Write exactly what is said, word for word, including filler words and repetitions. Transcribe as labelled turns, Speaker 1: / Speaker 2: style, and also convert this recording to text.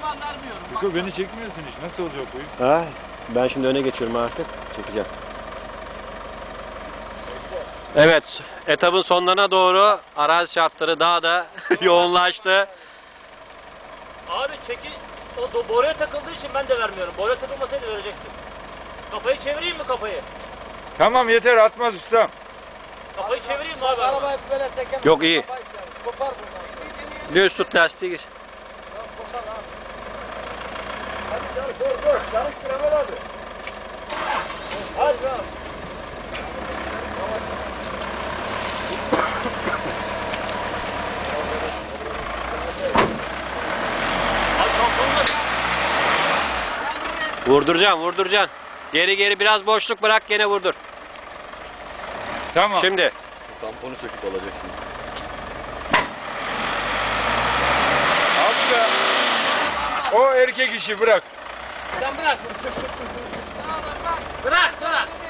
Speaker 1: ben vermiyorum.
Speaker 2: Fiko beni çekmiyorsun hiç. Nasıl olacak bu iş?
Speaker 3: Ha, ben şimdi öne geçiyorum artık. Çekeceğim. Evet, etapın sonlarına doğru arazi şartları daha da yoğunlaştı.
Speaker 4: Abi çekil. O do- boruya takıldığı için ben de vermiyorum. Boruya takılmasaydı verecektim. Kafayı çevireyim mi kafayı?
Speaker 2: Tamam yeter atmaz ustam.
Speaker 4: Kafayı çevireyim mi abi?
Speaker 1: Arabayı böyle çekemem.
Speaker 3: Yok, iyi.
Speaker 1: Kopar buradan.
Speaker 3: Düz tut lastiği gir.
Speaker 1: Kopar abi.
Speaker 2: Hadi dur dur. Çalıştır Ömer abi.
Speaker 1: Hadi.
Speaker 4: Abi şampiyonlar.
Speaker 3: Vurduracaksın, vurduracaksın. Geri geri biraz boşluk bırak, gene vurdur.
Speaker 2: Tamam.
Speaker 3: Şimdi.
Speaker 5: Tamponu söküp alacak şimdi.
Speaker 2: Abi ya. O erkek işi bırak.
Speaker 4: Sen bırak. Bırak bırak.